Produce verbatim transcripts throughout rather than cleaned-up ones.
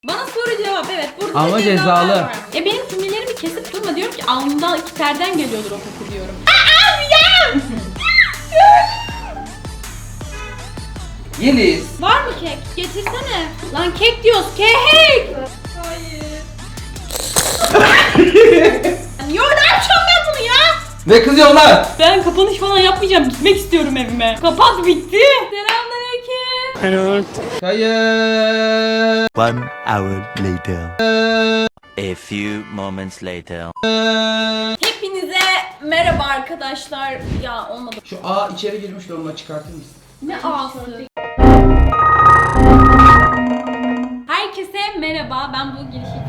Bana soru cevap, evet. Burada ama da cezalı. Var. Ya benim cümlelerimi kesip durma, diyorum ki alnından iki terden geliyordur o koku diyorum. Aa ya! Yeliz. Var mı kek? Getirsene. Lan kek diyoruz, kek. Hayır. Yo, ne yapacağım ben bunu ya? Ne kızıyorlar? Ben kapanış falan yapmayacağım. Gitmek istiyorum evime. Kapat, bitti. Selamünaleyküm. Hello. Hayır. One hour later. A few moments later. Hepinize merhaba arkadaşlar. Ya olmadı. Şu A içeri girmişti, onu çıkartır mısın? Ne ağası? Herkese merhaba. Ben bu girişi...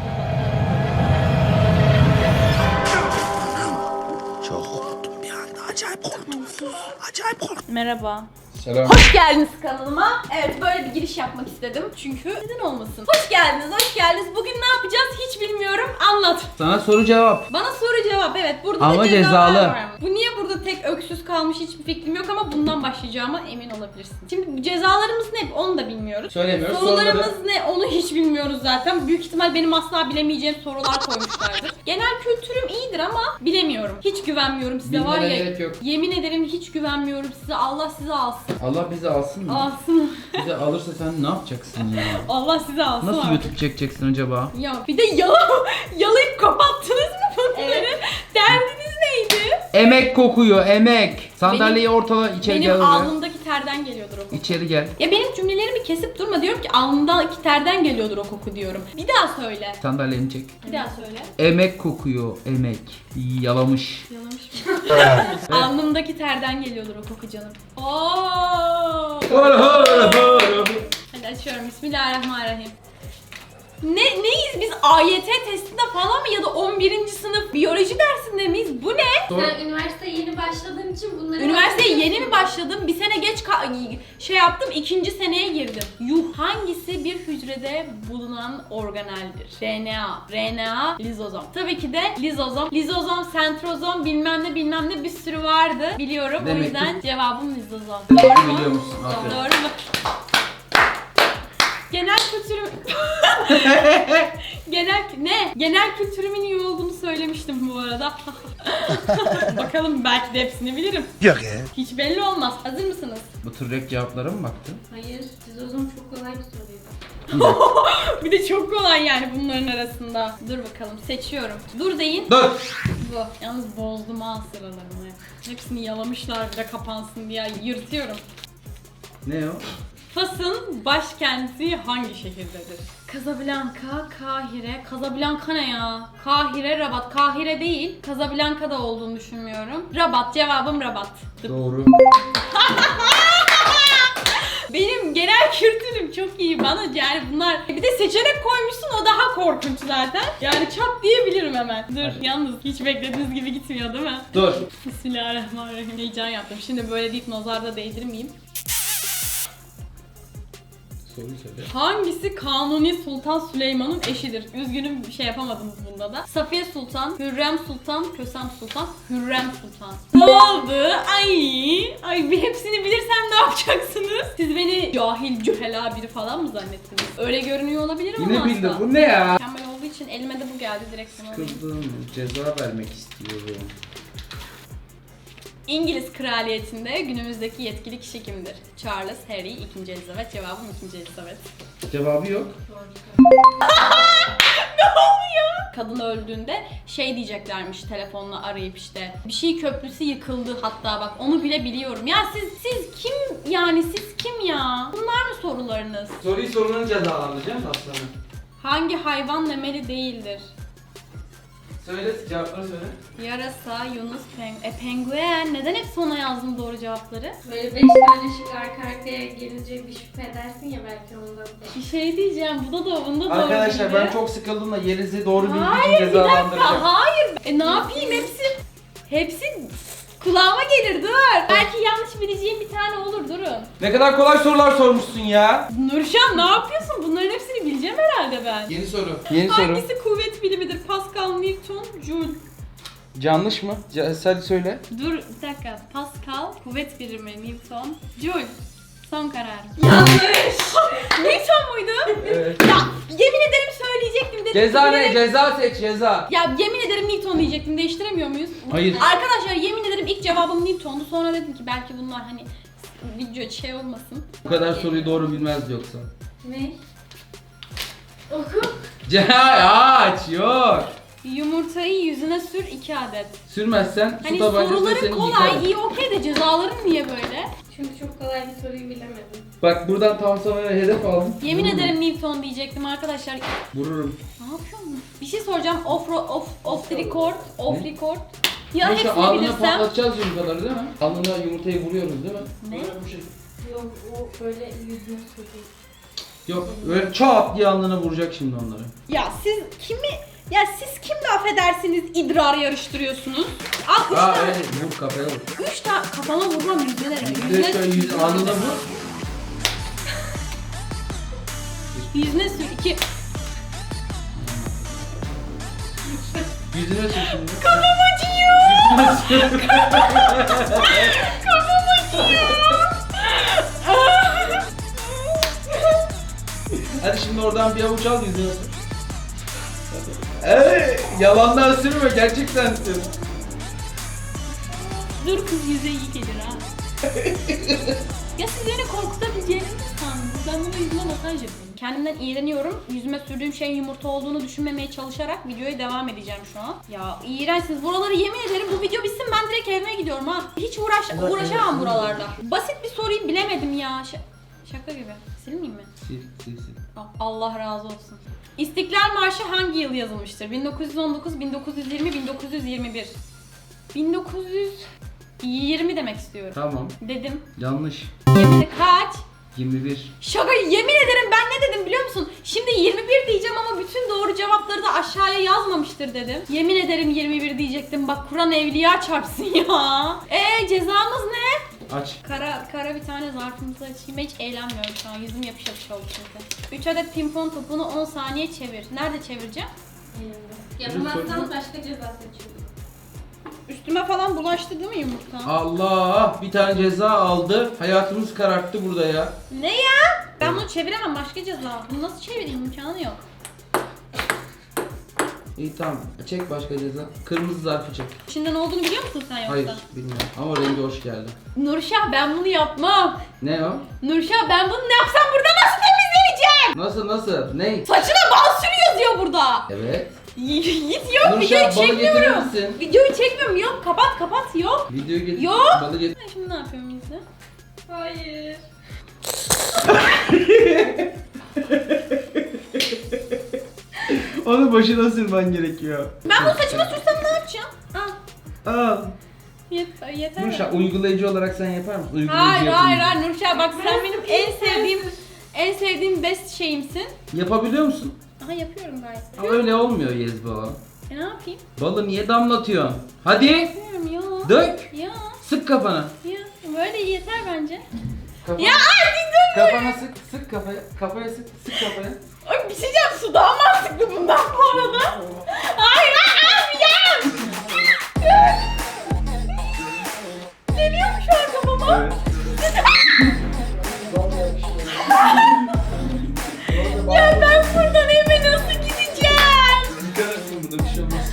Çok korktum bir anda. Acayip korktum. Acayip korktum. Merhaba. Selam. Hoş geldiniz kanalıma. Evet, böyle bir giriş yapmak istedim. Çünkü neden olmasın? Hoş geldiniz, hoş geldiniz. Bugün ne yapacağız hiç bilmiyorum. Anlat. Sana soru cevap. Bana soru cevap, evet. Burada Ama da cezalar cezalı. var mı? Bu niye burada tek öksüz kalmış hiçbir fikrim yok ama bundan başlayacağıma emin olabilirsin. Şimdi bu cezalarımız ne onu da bilmiyoruz. Söylemiyoruz. Sorularımız Soruları- ne onu hiç bilmiyoruz zaten. Büyük ihtimal benim asla bilemeyeceğim sorular koymuşlardır. Genel kültürüm iyidir ama bilemiyorum. Hiç güvenmiyorum size, var Bilmene ya. gerek yok. Yemin ederim hiç güvenmiyorum size. Allah sizi alsın. Allah bizi alsın mı? Alsın. Bizi alırsa sen ne yapacaksın ya? Allah sizi alsın. Nasıl artık. YouTube çekeceksin acaba? Ya bir de yala, yalayıp kapattınız mı bunları? Evet. Derdiniz neydi? Emek kokuyor, emek. Sandalyeyi ortala, içeri gel Benim oraya. alnımdaki terden geliyordur o koku. İçeri gel. Ya benim cümlelerimi kesip durma, diyorum ki alnımdaki terden geliyordur o koku diyorum. Bir daha söyle. Sandalyeni çek. Bir daha söyle. Emek kokuyor, emek. Yalamış. Yalamış mı? Alnımdaki terden geliyordur o koku canım. Oo! Hadi açıyorum. Bismillahirrahmanirrahim. Ne neyiz biz, A Y T testinde falan mı ya da on birinci sınıf biyoloji dersinde miyiz? Bu ne? Sen üniversiteye yeni başladığın için bunları... Üniversiteye yeni mi başladım? Bir sene geç ka- şey yaptım, ikinci seneye girdim. Yuh, hangisi bir hücrede bulunan organeldir? R N A, R N A, lizozom. Tabii ki de lizozom. Lizozom, sentrozom, bilmem ne bilmem ne bir sürü vardı. Biliyorum. Demek o ki- yüzden cevabım lizozom. Doğru mu? Biliyor musun? Aferin. Doğru mu? Genel kültürüm... Genel... Ne? Genel kültürümün iyi olduğunu söylemiştim bu arada. Bakalım, belki de hepsini bilirim. Yok ya. Hiç belli olmaz. Hazır mısınız? Bu tür rap cevaplara mı baktın? Hayır, cizozum çok kolay bir soruydu. Bir de çok kolay yani bunların arasında. Dur bakalım, seçiyorum. Dur deyin. Dur. Bu. Yalnız bozdum ha sıralarını. Hepsini yalamışlar bir de kapansın diye. Yırtıyorum. Ne o? Fas'ın başkenti hangi şehirdedir? Casablanca, Kahire. Casablanca ne ya? Kahire, Rabat. Kahire değil. Casablanca'da olduğunu düşünmüyorum. Rabat. Cevabım Rabat. Doğru. Benim genel kültürüm çok iyi bana, yani bunlar bir de seçenek koymuşsun, o daha korkunç zaten. Yani çat diyebilirim hemen. Dur, Hadi. yalnız hiç beklediğiniz gibi gitmiyor değil mi? Dur. Bismillahirrahmanirrahim. Heyecan yaptım. Şimdi böyle deyip nazarda değdirmeyeyim. Soruyu söyle. Hangisi Kanuni Sultan Süleyman'ın eşidir? Üzgünüm, bir şey yapamadınız bunda da. Safiye Sultan, Hürrem Sultan, Kösem Sultan, Hürrem Sultan. Ne oldu? Ay, ay bir hepsini bilirsem ne yapacaksınız? Siz beni cahil, cühela biri falan mı zannettiniz? Öyle görünüyor olabilir ama Yine bildi. asla. Bu ne ya? Mükemmel olduğu için elime de bu geldi direkt. Bunu alayım. Kızdım. Ceza vermek istiyorum. İngiliz kraliyetinde günümüzdeki yetkili kişi kimdir? Charles, Harry, ikinci Elizabeth. Cevabım ikinci Elizabeth. Cevabı yok. Ne oluyor? Kadın öldüğünde şey diyeceklermiş telefonla arayıp, işte bir şey köprüsü yıkıldı, hatta bak onu bile biliyorum. Ya siz siz kim yani, siz kim ya? Bunlar mı sorularınız? Soruyu sorunun cezalandıracağım da aslanım. Hangi hayvan memeli değildir? Söyle, cevapları söyle. Yarasa, Yunus, peng e, penguen. Neden hep sona yazdım doğru cevapları? Böyle beş tane şık arka arkaya gelince bir şüphe edersin ya, belki ondan. Bir şey diyeceğim, bu da da bunda doğru Arkadaşlar değildi. ben çok sıkıldım da Yeliz'i doğru bildiği Hayır, için bir dakika, cezalandıracağım. hayır. E ne yapayım, hepsi hepsi kulağıma gelir, dur. Belki yanlış bileceğim bir tane olur, durun. Ne kadar kolay sorular sormuşsun ya. Nurşan, ne yapıyorsun? Bunların hepsini bileceğim herhalde ben. Yeni soru. Yeni soru. Hangisi kuvvet bilimidir? Pascal, Newton, Joule. Yanlış mı? Ce- Hadi söyle. Dur bir dakika. Pascal, kuvvet birimi, Newton, Joule. Son kararım. Yanlış. Newton muydu? Evet. Ya yemin ederim söyleyecektim dedim. Ceza ne? Bilerek- Ceza seç ceza. Ya yemin ederim Newton diyecektim. Değiştiremiyor muyuz? Hayır. Arkadaşlar yemin ederim ilk cevabım Newton'du. Sonra dedim ki belki bunlar hani video şey olmasın. Bu kadar soruyu doğru bilmez yoksa. Ne? Oku. Ceza aç yok. Yumurtayı yüzüne sür iki adet. Sürmezsen su Hani tabancasıyla soruların seni kolay, yıkarım. iyi okey de cezaların niye böyle? Çünkü çok kolay bir soruyu bilemedim. Bak buradan tam sana hedef aldım. Yemin Vururum. ederim Newton diyecektim arkadaşlar. Vururum. Ne yapıyorsun? Bir şey soracağım. Off off off the record, off Ne? record. Ya Neyse, hepsini alnına bilirsem. patlatacağız yumurtaları değil mi? Alnına yumurtayı vuruyoruz değil mi? Ne? Böyle bu şey. Yok o böyle yüzüne sürüyor. Yok böyle çat diye alnına vuracak şimdi onları. Ya siz kimi ya siz kimle affedersiniz idrar yarıştırıyorsunuz? Al üç Aa tane. öyle vur kafaya vur. Üç tane kafama vurmam yüzüne. Yüzüne şöyle yüz, alnına vur. Yüzüne sür iki. Yüzüne sür şimdi. Kafam acıyor. Yüzüne sür. Kafam acıyor. Hadi şimdi oradan bir avuç al yüzüne sür. Eee yalandan sürme gerçekten sür. Dur kız yüze iyi gelir ha. Ya siz beni korkutabileceğinizi mi sandınız? Ben bunu yüzüme masaj yapıyorum. Kendimden iğreniyorum. Yüzüme sürdüğüm şey yumurta olduğunu düşünmemeye çalışarak videoya devam edeceğim şu an. Ya iğrençsiniz. Buraları yemin ederim bu video bitsin ben direkt evime gidiyorum ha. Hiç uğraş uğraşamam buralarda. Basit bir soruyu bilemedim ya. Ş- şaka gibi. Silmeyeyim mi? Sil sil sil. Allah razı olsun. İstiklal Marşı hangi yıl yazılmıştır? bin dokuz yüz on dokuz, bin dokuz yüz yirmi, bin dokuz yüz yirmi bir. bin dokuz yüz yirmi demek istiyorum. Tamam. Dedim. Yanlış. Yemin kaç? yirmi bir. Şaka, yemin ederim ben ne dedim biliyor musun? Şimdi yirmi bir diyeceğim ama bütün doğru cevapları da aşağıya yazmamıştır dedim. Yemin ederim yirmi bir diyecektim. Bak Kur'an evliya çarpsın ya. Eee cezamız ne? Aç. Kara kara bir tane zarfımızı açayım. Hiç eğlenmiyorum şu an. Yüzüm yapış yapış oldu çünkü. üç adet pimpon topunu on saniye çevir. Nerede çevireceğim? Elimde. Yapamazsan başka ceza seçiyorum. Üstüme falan bulaştı değil mi yumurta? Allah bir tane ceza aldı. Hayatımız kararttı burada ya. Ne ya? Ben bunu çeviremem, başka ceza. Bunu nasıl çevireyim, imkanı yok. İyi tamam. Çek başka ceza. Kırmızı zarfı çek. İçinde ne olduğunu biliyor musun sen yoksa? Hayır bilmiyorum ama rengi hoş geldi. Nurşah ben bunu yapmam. Ne o? Nurşah ben bunu ne yapsam burada nasıl temizleneceğim? Nasıl nasıl? Ne? Saçına bal sürüyor yazıyor burada. Evet. Git yok, videoyu Nurşah balı getirir çekmiyorum. misin? Videoyu çekmiyorum, yok kapat kapat yok. Videoyu getir. Yok. Balı getir. Ben şimdi ne yapıyorum izle? Hayır. Onu başına sürmen gerekiyor. Ben bunu saçıma sürsem ne yapacağım? Al. Al. Yeter, yeter mi? Nurşah uygulayıcı olarak sen yapar mısın? Uygulayıcı Hayır yapın. hayır hayır Nurşah bak sen benim en sevdiğim en sevdiğim best şeyimsin. Yapabiliyor musun? Aha yapıyorum gayet. Ama öyle olmuyor Yezba. E ne yapayım? Balı niye damlatıyorsun? Hadi. Yapıyorum ya. Dök. Ya Sık kafana. ya böyle yeter bence. Kafana. Ya artık dur. Kafana sık, sık kafaya. Kafaya sık, sık kafaya. Ay bir şey diyeceğim, su daha mantıklı bundan bu arada. Hayır hayır yapmayacağım. Geliyor mu şu an kafama? Evet. Ya ben buradan eve nasıl gideceğim? Yıkarsın burada bir şey olmaz.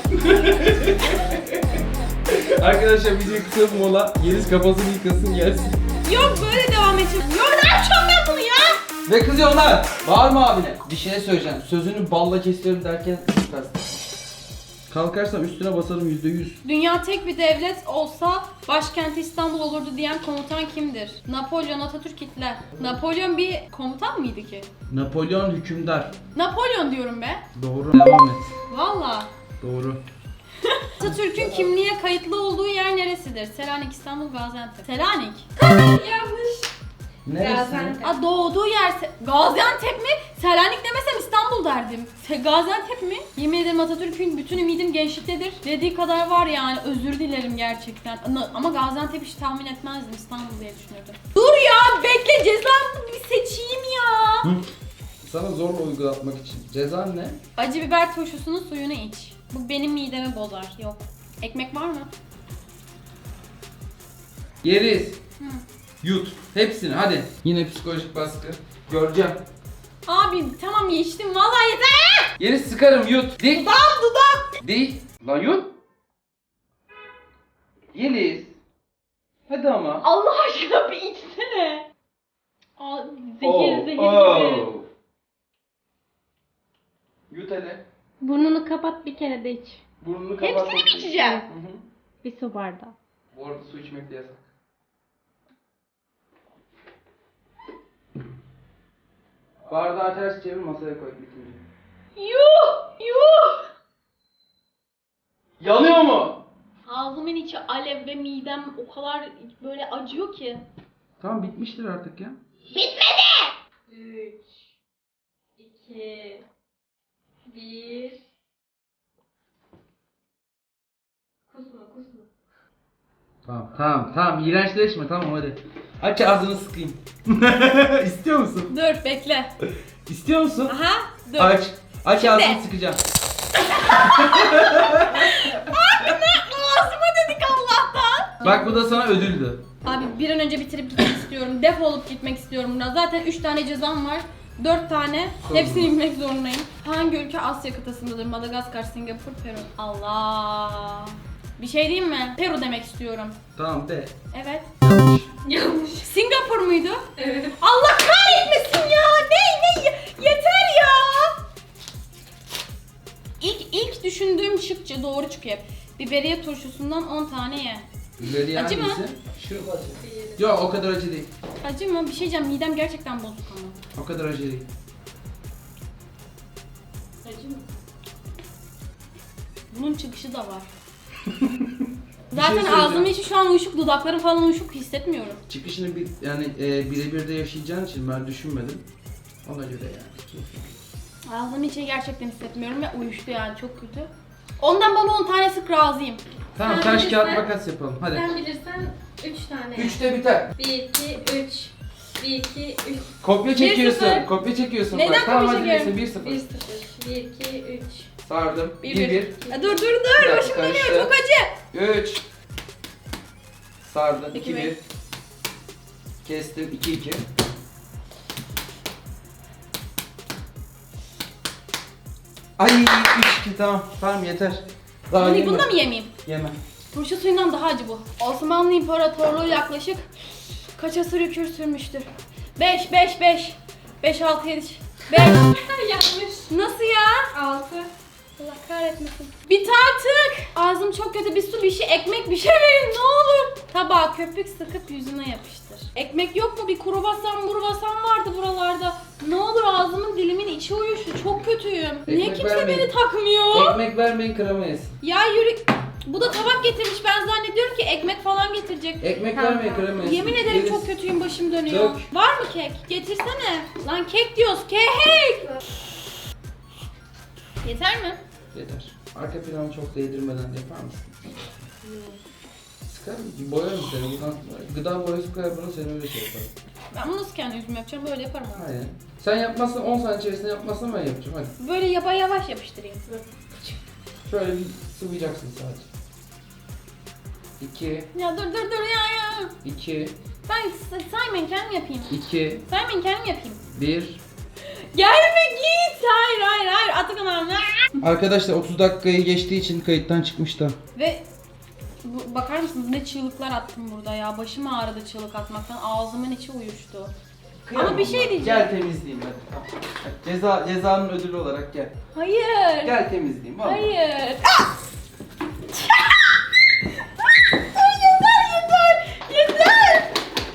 Arkadaşlar video kısa bir mola. Yeliz kafasını yıkasın gelsin. Yok böyle devam edeceğim. Yok ne yapacağım ben bunu ya? Ve kızıyorlar. Bağırma abine. Bir şey söyleyeceğim. Sözünü balla kesiyorum derken süpersin. Kalkarsam üstüne basarım yüzde yüz. Dünya tek bir devlet olsa başkenti İstanbul olurdu diyen komutan kimdir? Napolyon, Atatürk, Hitler. Napolyon bir komutan mıydı ki? Napolyon hükümdar. Napolyon diyorum be. Doğru. Devam et. Valla. Doğru. Atatürk'ün kimliğe kayıtlı olduğu yer neresidir? Selanik, İstanbul, Gaziantep. Selanik. Yanlış. Neresi? Gaziantep. Aa, doğduğu yer Se- Gaziantep mi? Selanik demesem İstanbul derdim. Se- Gaziantep mi? Yemin ederim Atatürk'ün bütün ümidim gençliktedir. Dediği kadar var yani, özür dilerim gerçekten. Ama- Ama Gaziantep hiç tahmin etmezdim, İstanbul diye düşünürdüm. Dur ya bekle, cezamı bir seçeyim ya. Hı? Sana zorla uygulatmak için. Cezan ne? Acı biber turşusunun suyunu iç. Bu benim midemi bozar. Yok. Ekmek var mı? Yeriz. Hı. Yut. Hepsini hadi. Yine psikolojik baskı. Göreceğim. Abi tamam içtim vallahi yeter. Yeri sıkarım yut. Dik. Dudak dudak. Dik. Lan yut. Yeliz. Hadi ama. Allah aşkına bir içsene. Aa, zehir Oh, zehir oh. gibi. Yut hele. Burnunu kapat bir kere de iç. Burnunu kapat. Hepsini mi içeceğim? Hı hı. Bir su bardağı. Bu arada su içmek de yasak. Bardağı ters çevir masaya koy bitince. Yuh yuh. Yanıyor mu? Ağzımın içi alev ve midem o kadar böyle acıyor ki. Tamam bitmiştir artık ya. üç, iki, bir. Kusma kusma. Tamam tamam tamam iğrençleşme tamam hadi. Aç ağzını sıkayım. İstiyor musun? Dur bekle. İstiyor musun? Aha dur. Aç. Aç Şimdi. ağzını sıkacağım. Ağzıma dedik Allah'tan. Bak bu da sana ödüldü. Abi bir an önce bitirip gitmek istiyorum. Defolup gitmek istiyorum buradan. Zaten üç tane cezam var. dört tane. Sorun Hepsini yok. bilmek zorundayım. Hangi ülke Asya kıtasındadır? Madagaskar, Singapur, Peru. Allah. Bir şey diyeyim mi? Peru demek istiyorum. Tamam de. Evet. Yanlış. Yanlış. Singapur muydu? Evet. Allah kahretmesin ya. Ne ne yeter ya. İlk ilk düşündüğüm şıkça doğru çıkıyor. Biberiye turşusundan on tane ye. Biberiye Acı mı? hangisi? Şu acı. Yok o kadar acı değil. Acı mı? Bir şey diyeceğim. Midem gerçekten bozuk ama. O kadar acı değil. Acı mı? Bunun çıkışı da var. Bir Zaten şey söyleyeceğim. ağzımın içi şu an uyuşuk, dudaklarım falan uyuşuk hissetmiyorum. Çıkışını bir yani e, birebir de yaşayacağın için ben düşünmedim. Ona göre yani. Ağzımın içi gerçekten hissetmiyorum ve uyuştu yani çok kötü. Ondan bana on tane sık razıyım. Tamam Sen taş bilirsen- kağıt makas yapalım hadi. Sen bilirsen üç tane. Üçte biter. bir, iki, üç. bir, iki, üç. Kopya Bir çekiyorsun. sıfır. Kopya çekiyorsun. Neden bak. Tamam kopya hadi çekiyorum? neyse bir sıfır. bir, sıfır. bir, iki, üç. Sardım. Bir, bir bir. bir. Ya dur dur dur, dakika, başım dönüyor karıştı. çok acı. üç. Sardım. İki iki bir. bir. Kestim. iki iki. Ay üç iki tamam. Tamam yeter. Daha Hani yeme. bunu da mı yemeyeyim? Yeme. Turşu suyundan daha acı bu. Osmanlı İmparatorluğu yaklaşık kaç asır hüküm sürmüştür? beş, beş, beş. beş, altı, yedi. beş. Yanlış. Nasıl ya? altı. Allah kahretmesin. Bit artık. Ağzım çok kötü. Bir su, bir şey, ekmek, bir şey verin ne olur. Tabağa köpük sıkıp yüzüne yapıştır. Ekmek yok mu? Bir kruvasan, murvasan vardı buralarda. Ne olur ağzımın dilimin içi uyuştu. Çok kötüyüm. Niye Ekmek kimse vermeyin. beni takmıyor? Ekmek vermeyin kırama yesin. Ya yürü. Bu da tabak getirmiş. Ben zannediyorum ki ekmek falan getirecek. Ekmek Tamam, vermeyin tamam. kırama yesin. Yemin ederim Yeriz. çok kötüyüm, başım dönüyor. Çok. Var mı kek? Getirsene. Lan kek diyoruz. Kek. Yeter mi? Yeter. Arka planı çok değdirmeden yapar mısın? Sıkar mısın? Boyarım seni. Buradan, gıda boyası koyar buna seni öyle şey yaparım. Ben bunu nasıl kendi yüzüme yapacağım? Böyle yaparım abi. Aynen. Sen yapmazsan on saniye içerisinde yapmazsan ben yapacağım hadi. Böyle yapa yavaş yapıştırayım. Şöyle bir sıvayacaksın sadece. iki, Ya dur dur dur ya ya. iki, Ben s- saymayın kendim yapayım. iki, Saymayın kendim yapayım. bir. Gelme git. Hayır hayır hayır. Atakan abi. Arkadaşlar otuz dakikayı geçtiği için kayıttan çıkmış da. Ve bu, bakar mısınız ne çığlıklar attım burada ya. Başım ağrıdı çığlık atmaktan. Ağzımın içi uyuştu. Ama bir şey diyeceğim. Gel temizleyeyim hadi. Ceza, cezanın ödülü olarak gel. Hayır. Gel temizleyeyim vallahi. Hayır. Ah! yeter yeter. Yeter.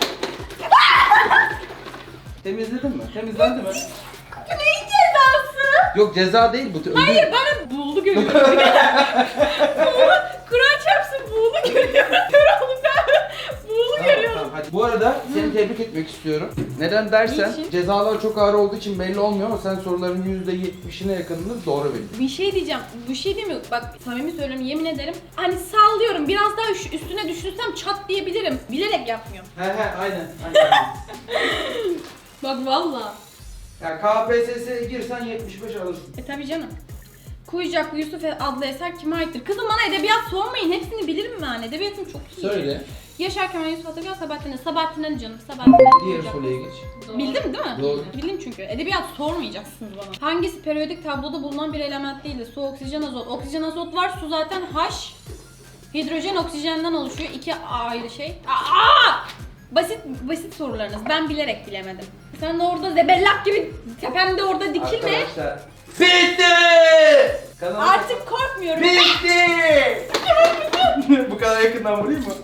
Temizledin mi? Temizlendi mi? Bu neyin cezası? Yok ceza değil bu. ödül. Hayır bana buğulu görüyorum. buğulu, Kur'an çarpsın buğulu görüyorum. Kör oldum ben. Buğulu Tamam, görüyorum. tamam, hadi. Bu arada seni tebrik etmek istiyorum. Neden dersen Niçin? cezalar çok ağır olduğu için belli olmuyor ama sen soruların yüzde yetmişine yakınını doğru bildin. Bir şey diyeceğim. Bir şey değil mi? Bak samimi söylüyorum yemin ederim. Hani sallıyorum. Biraz daha üş- üstüne düşünsem çat diyebilirim. Bilerek yapmıyorum. He he aynen. aynen. Bak valla. Ya K P S S'ye girsen yetmiş beş alırsın. E tabi canım. Kuyucaklı Yusuf adlı eser kime aittir? Kızım bana edebiyat sormayın. Hepsini bilirim ben. Edebiyatım çok iyi. Söyle. Yaşar Kemal, Yusuf Atagül, Sabahattin Ali. Sabahattin Ali canım. Sabahattin Ali. Diğer Hocam. soruya geç. Doğru. Bildim değil mi? Doğru. Bildim çünkü. Edebiyat sormayacaksınız bana. Hangisi periyodik tabloda bulunan bir element değildir? Su, oksijen, azot. Oksijen, azot var. Su zaten H. Hidrojen, oksijenden oluşuyor. İki ayrı şey. Aa! Basit basit sorularınız. Ben bilerek bilemedim. Sen de orada zebellak gibi tepemde orada dikilme. Arkadaşlar. Bitti! Kanalı Artık korkmuyorum. bitti! Bu kadar yakından vurayım mı?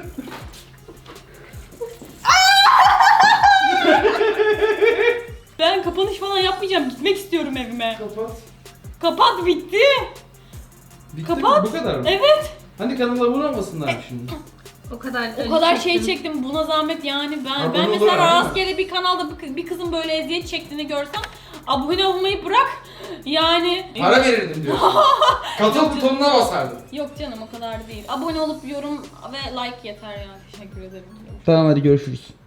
Ben kapanış falan yapmayacağım. Gitmek istiyorum evime. Kapat. Kapat, bitti. Bitti Kapat. mi? Bu kadar mı? Evet. Hani kanala vuramasınlar mı şimdi? O kadar O kadar şey çektim, buna zahmet yani ben Abone ben olur mesela ama, değil mi? rastgele bir kanalda bir kız- bir kızın böyle eziyet çektiğini görsem abone olmayı bırak yani. Para verirdim diyorsun. Katıl butonuna basardım. Yok canım, o kadar değil. Abone olup yorum ve like yeter yani. Teşekkür ederim. Tamam hadi görüşürüz.